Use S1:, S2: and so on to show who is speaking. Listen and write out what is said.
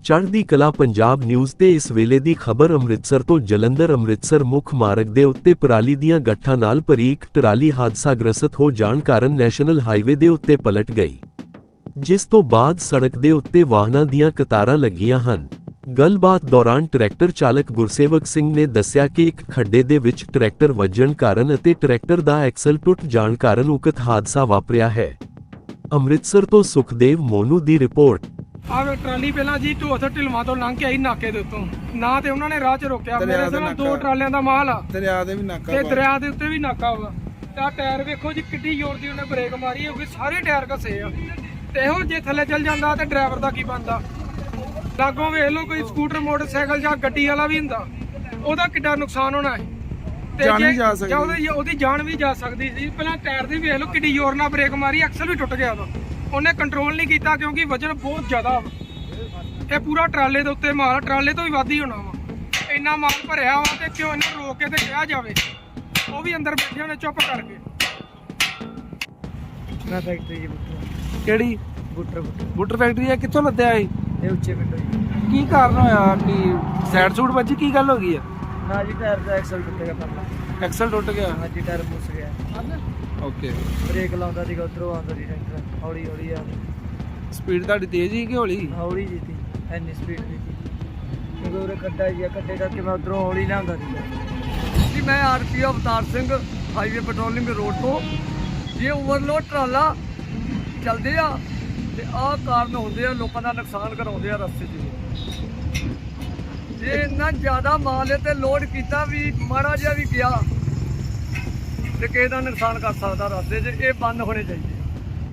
S1: ਚੜ੍ਹਦੀ ਕਲਾ ਪੰਜਾਬ ਨਿਊਜ਼ ਤੇ ਇਸ ਵੇਲੇ ਦੀ ਖਬਰ ਅੰਮ੍ਰਿਤਸਰ ਤੋਂ ਜਲੰਧਰ ਅੰਮ੍ਰਿਤਸਰ ਮੁੱਖ ਮਾਰਗ ਦੇ ਉੱਤੇ ਪਰਾਲੀ ਦੀਆਂ ਗੱਠਾਂ ਨਾਲ ਭਰੀ ਇੱਕ ਟਰਾਲੀ ਹਾਦਸਾਗ੍ਰਸਤ ਹੋ ਜਾਣ ਕਾਰਨ ਨੈਸ਼ਨਲ ਹਾਈਵੇ ਦੇ ਉੱਤੇ ਪਲਟ ਗਈ, ਜਿਸ ਤੋਂ ਬਾਅਦ ਸੜਕ ਦੇ ਉੱਤੇ ਵਾਹਨਾਂ ਦੀਆਂ ਕਤਾਰਾਂ ਲੱਗੀਆਂ ਹਨ। ਗੱਲਬਾਤ ਦੌਰਾਨ ਟਰੈਕਟਰ ਚਾਲਕ ਗੁਰਸੇਵਕ ਸਿੰਘ ਨੇ ਦੱਸਿਆ ਕਿ ਇੱਕ ਖੱਡੇ ਦੇ ਵਿੱਚ ਟਰੈਕਟਰ ਵੱਜਣ ਕਾਰਨ ਅਤੇ ਟਰੈਕਟਰ ਦਾ ਐਕਸਲ ਟੁੱਟ ਜਾਣ ਕਾਰਨ ਉਕਤ ਹਾਦਸਾ ਵਾਪਰਿਆ ਹੈ। ਅੰਮ੍ਰਿਤਸਰ ਤੋਂ ਸੁਖਦੇਵ ਮੋਨੂ ਦੀ ਰਿਪੋਰਟ।
S2: ਆਹ ਟਰਾਲੀ ਪਹਿਲਾਂ ਜੀ ਢੋਥ ਢਿਲਵਾਂ ਤੋਂ ਲੰਘ ਕੇ ਆਈ ਨਾਕੇ ਦੇ ਉੱਤੋਂ, ਨਾ ਤੇ ਉਹਨਾਂ ਨੇ ਰਾਹ 'ਚ ਰੋਕਿਆ। ਮੇਰੇ ਸਾਹਮਣੇ 2 ਟਰਾਲਿਆਂ ਦਾ ਮਾਲ ਆ,
S3: ਦਰਿਆ ਦੇ ਵੀ ਨਾਕਾ
S2: ਤੇ ਦਰਿਆ ਦੇ ਉੱਤੇ ਵੀ ਨਾਕਾ ਵਾ। ਤਾਂ ਟਾਇਰ ਵੇਖੋ ਜੀ ਕਿੱਡੀ ਜ਼ੋਰ ਦੀ ਉਹਨੇ ਬ੍ਰੇਕ ਮਾਰੀ ਹੋਊਗੀ, ਸਾਰੇ ਟਾਇਰ ਘਸੇ ਆ। ਤੇ ਇਹੋ ਜੇ ਥੱਲੇ ਚੱਲ ਜਾਂਦਾ ਤੇ ਡਰਾਈਵਰ ਦਾ ਕੀ ਬਣਦਾ? ਲਾਗੋਂ ਵੇਖ ਲਓ ਕੋਈ ਸਕੂਟਰ ਮੋਟਰਸਾਈਕਲ ਜਾਂ ਗੱਡੀ ਵਾਲਾ ਵੀ ਹੁੰਦਾ, ਉਹਦਾ ਕਿੱਡਾ ਨੁਕਸਾਨ ਹੋਣਾ ਹੈ।
S3: ਜਾਨ ਵੀ ਜਾ ਸਕਦੀ,
S2: ਉਹਦੀ ਜਾਨ ਵੀ ਜਾ ਸਕਦੀ ਸੀ। ਪਹਿਲਾਂ ਟਾਇਰ ਦੀ ਵੇਖ ਲਓ ਕਿੱਡੀ ਜ਼ੋਰ ਨਾਲ ਬ੍ਰੇਕ ਮਾਰੀ, ਐਕਸਲ ਵੀ ਟੁੱਟ ਗਿਆ ਉਹਦਾ। ਉਹਨੇ ਕੰਟਰੋਲ ਨਹੀਂ ਕੀਤਾ ਕਿਉਂਕਿ ਵਜਨ ਬਹੁਤ ਜ਼ਿਆਦਾ ਵਾ। ਇਹ ਪੂਰਾ ਟਰਾਲੇ ਦੇ ਉੱਤੇ ਮਾਲ, ਟਰਾਲੇ ਤੋਂ ਵੀ ਵੱਧ ਹੀ ਹੋਣਾ ਵਾ। ਇੰਨਾ ਮਾਲ ਭਰਿਆ ਵਾ ਤੇ ਕਿਉਂ ਇਹਨੂੰ ਰੋਕ ਕੇ ਤੇ ਕਿਹਾ ਜਾਵੇ? ਉਹ ਵੀ ਅੰਦਰ ਬੈਠੇ ਹੋਣੇ ਚੁੱਪ ਕਰਕੇ।
S4: ਮੈਂ ਫੈਕਟਰੀ ਜੀ
S3: ਕਿਹੜੀ ਬੁੱਟਰ ਫੈਕਟਰੀ ਹੈ? ਕਿੱਥੋਂ ਲੱਦਿਆ
S4: ਇਹ ਉੱਚੇ ਪਿੰਡੋਂ ਜੀ।
S3: ਕੀ ਕਾਰਨ ਹੋਇਆ ਕਿ ਸਾਈਡ ਸੂਟ ਵੱਜੀ? ਕੀ ਗੱਲ ਹੋ ਗਈ ਆ?
S4: ਨਾ ਜੀ ਟਾਇਰ ਦਾ ਐਕਸਲ ਟੁੱਟੇਗਾ ਪਹਿਲਾਂ।
S3: ਐਕਸਲ ਟੁੱਟ ਗਿਆ?
S4: ਹਾਂ ਜੀ ਟਾਇਰ ਮੁੱਸ ਗਿਆ।
S3: ਓਕੇ।
S4: ਬ੍ਰੇਕ ਲਾਉਂਦਾ ਸੀਗਾ, ਉਧਰੋਂ ਆਉਂਦਾ ਸੀ ਟਰੈਕਟਰ ਹੌਲੀ ਹੌਲੀ ਆ।
S3: ਸਪੀਡ ਤੁਹਾਡੀ ਤੇਜ਼ ਹੀ ਕਿ ਹੌਲੀ?
S4: ਹੌਲੀ ਜੀ ਸੀ, ਇੰਨੀ ਸਪੀਡ ਨਹੀਂ ਸੀ ਕਿਉਂਕਿ ਉਰੇ ਖੱਡਾ ਜੀ ਆ, ਖੱਡੇ ਕਰਕੇ ਮੈਂ ਉਧਰੋਂ ਹੌਲੀ ਲਿਆਉਂਦਾ ਸੀ ਜੀ। ਮੈਂ RPO Avtar Singh, highway patrolling road ਤੋਂ। ਜੇ ਓਵਰਲੋਡ ਟਰਾਲਾ ਚੱਲਦੇ ਆ ਤੇ ਆਹ ਕਾਰਨ ਹੁੰਦੇ ਆ, ਲੋਕਾਂ ਦਾ ਨੁਕਸਾਨ ਕਰਾਉਂਦੇ ਆ ਰਸਤੇ 'ਚ। ਜੇ ਇੰਨਾ ਜ਼ਿਆਦਾ ਮਾਲ ਹੈ ਤੇ ਲੋਡ ਕੀਤਾ ਵੀ ਮਾੜਾ ਜਿਹਾ ਵੀ ਗਿਆ ਤੇ ਕਿਸੇ ਦਾ ਨੁਕਸਾਨ ਕਰ ਸਕਦਾ ਰਸਤੇ 'ਚ। ਇਹ ਬੰਦ ਹੋਣੇ ਚਾਹੀਦੇ।